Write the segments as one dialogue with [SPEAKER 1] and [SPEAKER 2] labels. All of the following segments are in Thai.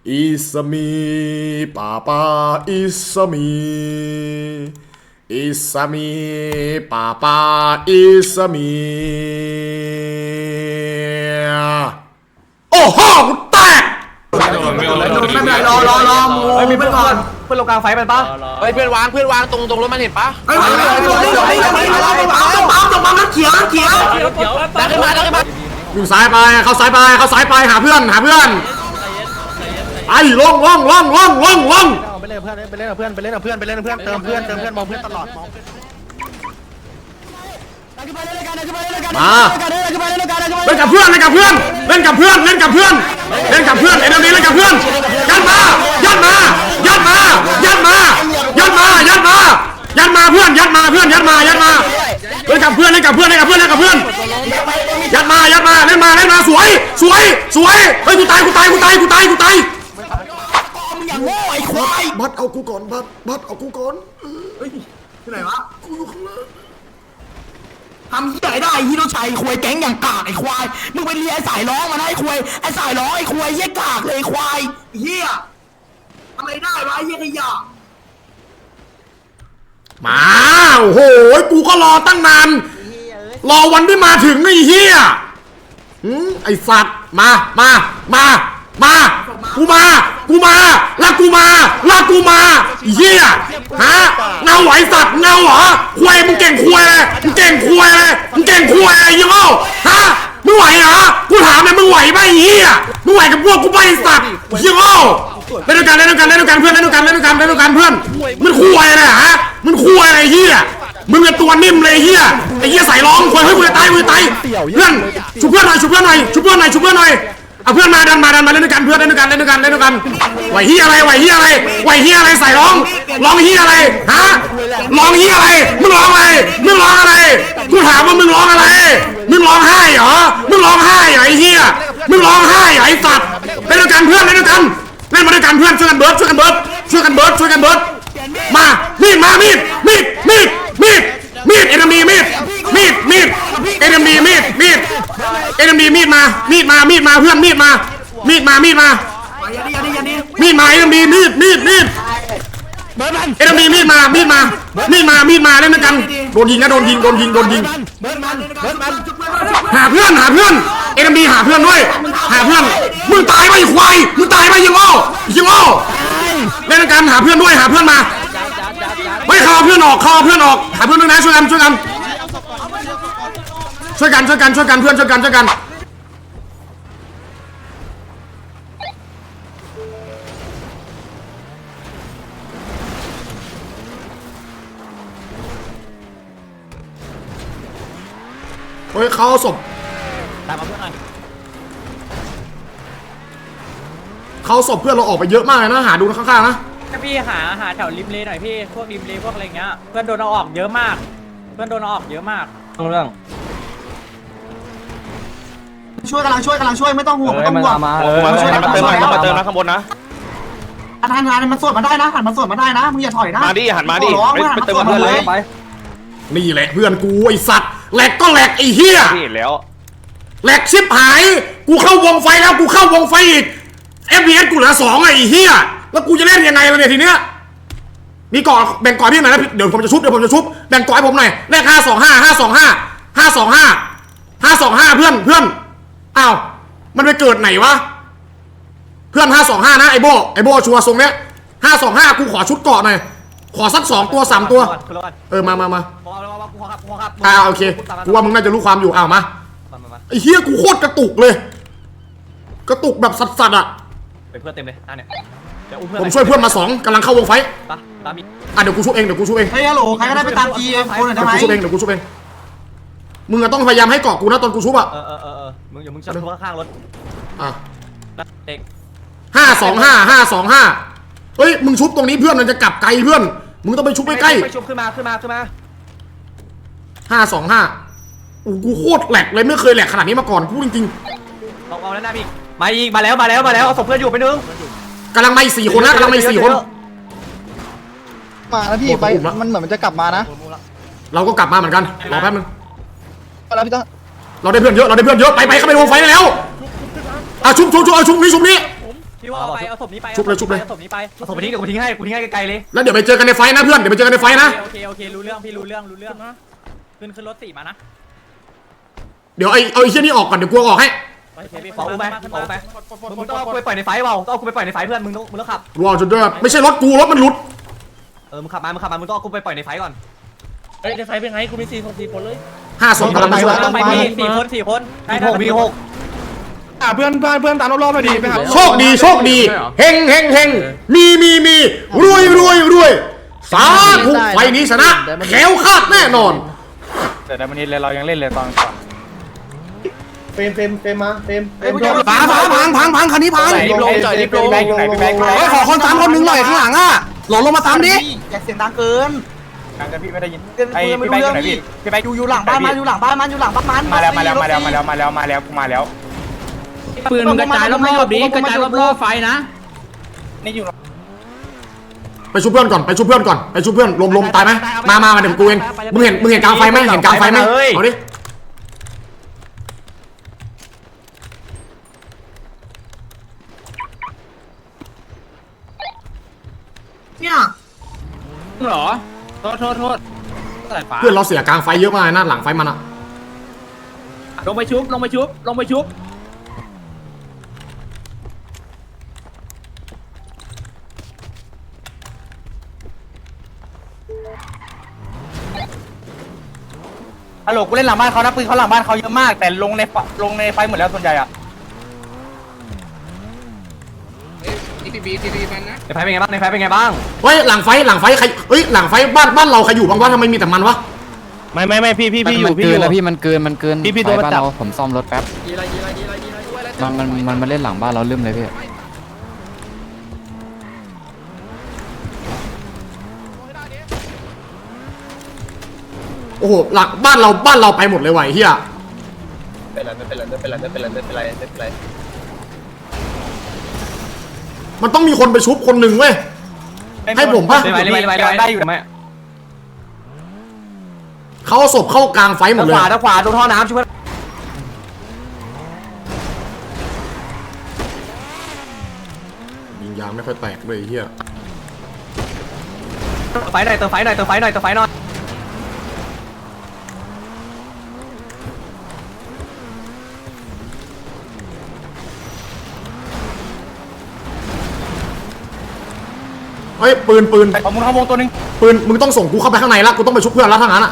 [SPEAKER 1] It's me ป้าป้า It's me It's me ป้าป้า It's me โอ้โหกูแตก
[SPEAKER 2] ไม่เป็นไรรอมูมีเพื่อนก่อนเพื่อนลงกลางไฟมันปะ
[SPEAKER 3] เฮ้ยเพื่อนวางตรงรถมันเห็นปะ
[SPEAKER 2] เฮ้ยปั๊มรถเขียว
[SPEAKER 3] ดันขึ้นมา
[SPEAKER 1] อยู่ซ้ายไปเข้าซ้ายไปหาเพื่อนไอ้ลง
[SPEAKER 2] ไปเล่นเพื่อนเติมเพื่อนมองเพื่อนตลอด
[SPEAKER 1] มาเล่นกับเพื่อนเล่นกับเพื่อนเล่นกับเพื่อนเอ็นเอ็มดีเล่นกับเพื่อนยัดมาเพื่อนยัดมาเล่นกับเพื่อนยัดมาเล่นมาสวยเฮ้ยกูตาย
[SPEAKER 2] อย่างโง่ไอ้ควาย
[SPEAKER 1] บัดเอากูก่อนบัดเอากูก่อน
[SPEAKER 2] เฮ้ยที่ไหนวะกูอยู่ข้างล่างทำที่ไหนได้ฮิโรชัยควายแก๊งอย่างกากไอ้ควายมึงไปเรียนไอ้สายร้องมานะไอ้ควายเยี่ยกากเลยควายเฮียทำอะไรได้วะเยี่ยขยะ
[SPEAKER 1] มาโอ้โหกูก็รอตั้งนานรอวันที่มาถึงไอ้เฮียไอ้สัตว์มาลากกูมาเฮียฮะเงาไหวสัตว์เงาเหรอควายมึงเก่งควายเลยยังเอาฮะมึงไหวเหรอกูถามเลยมึงไหวไหมเฮียมึงไหวกับพวกกูไปสัตว์ยังเอาเล่นด้วยกันเพื่อนเล่นด้วยกันเพื่อนมันควายเลยฮะมันควายอะไรเฮียมึงเป็นตัวนิ่มเลยเฮียไอ้เฮียใส่ร้องควายเฮ้ยกูจะตายเพื่อนชุบเพื่อนหน่อยเอาเพื่อนมาดันมาเล่นด้วยกันเพื่อนเล่นด้วยกันไหวเฮียอะไรใส่ร้องเฮียอะไรฮะร้องเฮียอะไรมึงร้องอะไรกูถามว่ามึงร้องอะไรมึงร้องไห้เหรอไอ้เฮียมึงร้องไห้เหรอไอ้สัตว์เล่นด้วยกันเพื่อนเล่นมาด้วยกันเพื่อนช่วยกันเบิร์ดมามีดเอ็นมีมีดเอ็นมีมาเพื่อนมีดมาเอ็นมีมีดเอ็นมีมีดมาเล่นด้วยกันโดนยิงหาเพื่อนเอ็นมีหาเพื่อนด้วยมึงตายไปควายยังโง่เล่นด้วยกันหาเพื่อนมาไม่เข้าเพื่อนออกหาเพื่อนด้วยนะช่วยกันเพื่อนช่วยกันเฮ้ยเขาศพตามมาเพื่อนหน่อยเขาศพเพื่อนเราออกไปเยอะมากเลยนะหาดูข้างๆนะ
[SPEAKER 4] พี่หาแถวริมเลหน่อยพี่พวกริมเลพวกอะไรเงี้ยเพื่อนโดนเอาออกเยอะมากเรื่อง
[SPEAKER 2] ช่วยกำลังช่วยไม่ต้องห่วง
[SPEAKER 3] มาช่วยมาเติมนะข้างบนนะ
[SPEAKER 2] หันมันสวดมาได้นะมึงอย่าถอยนะ
[SPEAKER 3] มาดิหันมาดิไปเติมเพื่อนเลย
[SPEAKER 1] นี่แหละเพื่อนกูไอสัตว์แหลกก็แหลกไอเฮีย
[SPEAKER 3] แล้ว
[SPEAKER 1] แหลกชิบหายกูเข้าวงไฟแล้วกูเข้าวงไฟอีก FPS กูเหลือ2ไอเฮียแล้วกูจะเล่นยังไงล่ะเนี่ยทีเนี้ยมีก่อนแบ่งก่อนพี่หน่อยนะเดี๋ยวผมจะชุบแบ่งก่อนให้ผมหน่อยเลข525เพื่อนอ้าวมันไปเกิดไหนวะเพื่อน525นะไอโบชัวร์ทรงเนี้ย525กูขอชุดเกาะหน่อยขอสัก2ตัว3ตัวมาโอเคกูว่ามึงน่าจะรู้ความอยู่อ้าวมาไอเฮียกูโคตรกระตุกเลยกระตุกแบบสัสๆอ่ะ
[SPEAKER 4] เป็นเพื่อนเต็มเลยเนี่ย
[SPEAKER 1] ผมช่วยเพื่อนมา2กำลังเข้าวงไฟเดี๋ยวกูชุบเองเ
[SPEAKER 2] ฮ้ยฮัลโหลใครก็ได้ไปตามจีคนหน่อยได้ไหม
[SPEAKER 1] เดี๋ยวกูชุบเองมึงต้องพยายามให้เกาะกูนะตอนกูชุบอ่ะ
[SPEAKER 4] มึงอย่ามึงจะทุบข้างรถ
[SPEAKER 1] เด็ก525เฮ้ยมึงชุบตรงนี้เพื่อนมันจะกลับไกลเพื่อนมึงต้องไปชุบใกล้
[SPEAKER 4] ไปชุบขึ้นมา
[SPEAKER 1] 525กูโคตรแหลกเลยไม่เคยแหลกขนาดนี้มาก่อนพูดจริง
[SPEAKER 4] ๆเอาแล้วนะพี่มาแล้วเอาศพเพื่อนอยู่ไปนึง
[SPEAKER 1] กำลังมาอีก4 คนนะมา
[SPEAKER 5] แล้วพี่ไปมันเหมือนมันจะกลับมานะ
[SPEAKER 1] เราก็กลับมาเหมือนกันรอแป๊บนึง
[SPEAKER 5] แล้วพี่ต้อง
[SPEAKER 1] เราได้เพื่อนเยอะไปเข้าไปวงไฟได้แล้วชุบนี้
[SPEAKER 4] พี่ว่าเอาไปเอาศพนี้ไป
[SPEAKER 1] ชุบเลยชุบเลย
[SPEAKER 4] เอาศพนี้ไปเอาศพไปทิ้งเดี๋ยวกูทิ้งให้ไกลๆเลย
[SPEAKER 1] แล้วเดี๋ยวไปเจอกันในไฟนะเพื่อนเดี๋ยวไปเจอกันในไฟนะ
[SPEAKER 4] โอเครู้เรื่องพี่รู้เรื่องนะขึ้นรถ4มานะ
[SPEAKER 1] เดี๋ยวเอาไอ้เชี่ยนี่ออกก่อนเดี๋ยวกูออกให้
[SPEAKER 4] โอเคพี่เอาไปมึงต้องเอากูไปปล่อยในไฟเปล่าต้องเอากูไปปล่อยในไฟเพื่อนมึงต้องขับ
[SPEAKER 1] รอจนด้วยไม่ใช่รถกูรถมันหลุด
[SPEAKER 4] มึงขับมามึงต้องเอากูไปปล่อยในไฟก่อน
[SPEAKER 6] เฮ้ยในไฟเป็นไงกูมี4 คนเลย
[SPEAKER 1] 5 ศพกำลังไปช่วย
[SPEAKER 4] ต้องไปพี่4 คนมีหก
[SPEAKER 3] เพื่อนตามรอบๆมาดีไปครับ
[SPEAKER 1] โชคดีเฮงมีรวยสาธุไฟนี้ชนะแขวคาดแน่นอน
[SPEAKER 3] แต่ในวันนี้เรายังเล่นเลยตอนก่อน
[SPEAKER 5] เฟรมมาเฟรม
[SPEAKER 2] พังคันนี้พัง
[SPEAKER 3] รีบลงจ่อยรีบลงอยู่ไหนพี่แบงค์
[SPEAKER 2] เฮ้ยขอคนซ้ำคนหนึ่งหน่อยข้างหลังอ่ะหล่นลงมาซ้ำดิอย่าเสียงดังเกิน
[SPEAKER 3] กันพี่ไม่ได้ยินไอ้พี่แบงค์อยู่ไหนพี่แบงค์
[SPEAKER 2] อยู่หลังบ้านมันอยู่หลังบ้านมันอยู่หลังบ้านมัน
[SPEAKER 3] มาแล้ว
[SPEAKER 4] ปืนมึงกระจายรอบๆดิกระจายรอบๆไฟนะ
[SPEAKER 3] นี่อยู่
[SPEAKER 1] ไปชุบเพื่อนก่อนไปชุบเพื่อนลมตายไหมมาเดี๋ยวกูเองมึงเห็นกลางไฟไหมเอาดิ
[SPEAKER 2] เนี่ย
[SPEAKER 4] เหรอโทษสายฟ้า
[SPEAKER 1] เพื่อนเราเสียกลางไฟเยอะมากนะหลังไฟมันอะ
[SPEAKER 4] ลงไปชุบ
[SPEAKER 3] ฮัลโหลกูเล่นหลังบ้านเขานะปืนเขาหลังบ้านเขาเยอะมากแต่ลงในไฟหมดแล้วส่วนใหญ่อะ
[SPEAKER 4] ในไฟเป็นไงบ้าง
[SPEAKER 1] เฮ้ยหลังไฟใครเฮ้ยหลังไฟบ้านเราใครอยู่บ้างวะทำไมมีแต่มันวะ
[SPEAKER 3] ไม่พี่อยู่
[SPEAKER 7] มันเกินแล้วพี่มันเกิน
[SPEAKER 3] พี่โดน
[SPEAKER 7] บ้าน
[SPEAKER 3] จับ
[SPEAKER 7] เราผมซ่อมรถแป๊บมันมาเล่นหลังบ้านเราลืมเลยพี่
[SPEAKER 1] โอ้โหหลังบ้านเราไปหมดเลยว่ะเฮีย
[SPEAKER 3] ไม่เป็นไร
[SPEAKER 1] มันต้องมีคนไปชุบคนหนึ่งเว้ยให้ผมปะ
[SPEAKER 3] ได้อยู่ไหม
[SPEAKER 1] เขาเอาศพเข้ากลางไฟหมดเลย
[SPEAKER 4] ขวาตรงท่อน้ำช่วย
[SPEAKER 1] ยิงยางไม่ค่อยแตกเลยเฮีย
[SPEAKER 4] ไฟหน่อยเติมไฟหน่อย
[SPEAKER 1] เฮ้ยปืน
[SPEAKER 3] เอามุนเข้าวงตัวนึง
[SPEAKER 1] มึงต้องส่งกูเข้าไปข้างในละกูต้องไปชุบเพื่อนแล้วทั้งนั้นอะ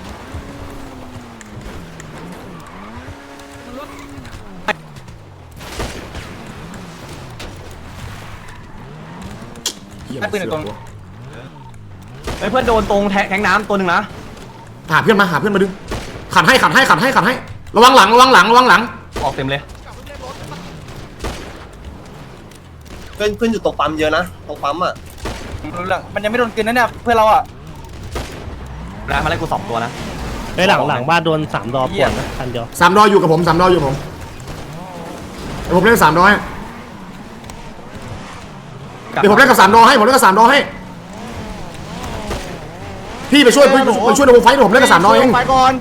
[SPEAKER 1] เหี้ย
[SPEAKER 3] ปืนตัว
[SPEAKER 4] เพื่อนโดนตรงแทงน้ำตัวหนึ่งนะ
[SPEAKER 1] หาเพื่อนมาดึงขัดให้ระวังหลัง
[SPEAKER 4] ออกเต็มเลย
[SPEAKER 8] เพื่อนอยู่ตรงปั๊มเยอะนะตรงปั๊มอ่ะ
[SPEAKER 3] รู้เรื่องมันยังไม่โดนกินนะเนี่ยเพื่อนเราอ่ะ
[SPEAKER 4] แล้วมาไล่กู2 ตัวนะ
[SPEAKER 6] ไอ้หลังบ้านโดน3 ดอปวดนะคันเดียว
[SPEAKER 1] 3 ดออยู่กับผม3 ดออยู่ผมเดี๋ยวผมเล่น3 ดอให้เดี๋ยวผมเล่นกับ3 ดอให้พี่ไปช่วยในวงไฟผมเล่นกับ3 ดอเอง
[SPEAKER 3] ไปก่อน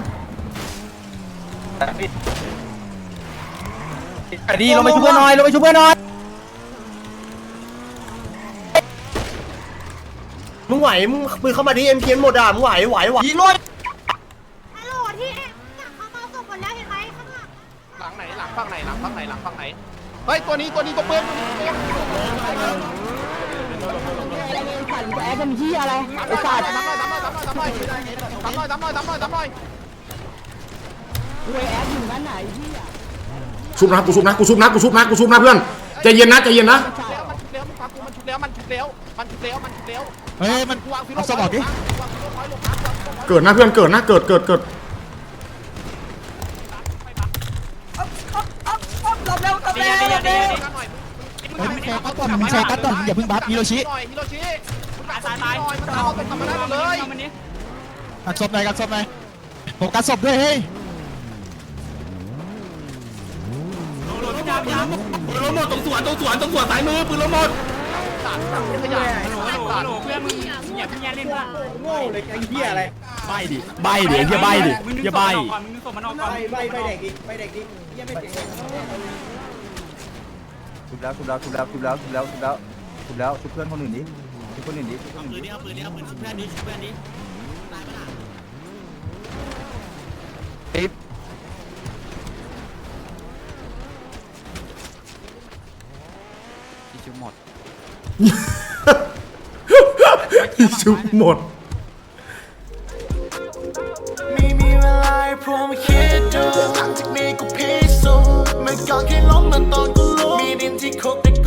[SPEAKER 3] ดีลงไปช่วยหน่อย
[SPEAKER 8] มึงไหวมึงปืนเข้ามาดิ MPN หมดอ่ะมึงไหวยิงรถ
[SPEAKER 9] ฮัลโหลที่เขามาส่งหมดแล้วเห็นไหมข้างหลัง
[SPEAKER 3] หลังไหนหลังฝั่งไหนเฮ้ยตัวนี้ตัวปืน
[SPEAKER 2] แอดเป็นที่อะไรไอ้สัตว์
[SPEAKER 3] ทำหน่อย
[SPEAKER 1] ชุบนะกูชุบนะเพื่อนใจเย็นนะ
[SPEAKER 3] มันชุบแล้ว
[SPEAKER 5] เฮ้ยมันเอาสมองดิ
[SPEAKER 1] เกิดนะเพื่อนเกิดนะเกิด
[SPEAKER 5] แชร์กัดก่อนอย่าเพิ่งบัฟฮิโรชิกัดศพหน่อยผมกัดศพด้วยเฮ้ย
[SPEAKER 3] ปืนล้มหมดตรงสวนสายมือปืนล้มหมด
[SPEAKER 5] ใบดิไอ้เหี้ยใบดิอย่าใบ
[SPEAKER 2] ไปเด็กดิ
[SPEAKER 3] ชุบแล้วชุบแล้วชุบแล้วชุบแล้วชุบแล้วชุบแล้วชุบแล้วชุบเพื่อนคนอื่นดิชุบคนอื่นดิชุบคนอื่นดิ ติ๊บ
[SPEAKER 7] ที่ชุบหมด
[SPEAKER 1] ชุบหมด
[SPEAKER 10] ไม่มีเวลาให้พวกมันคิดดูหลังจากนี้กูพิสูจน์เมื่อก่อนแค่ล้มมันตอนกูรู้มีดินที่คุกแต่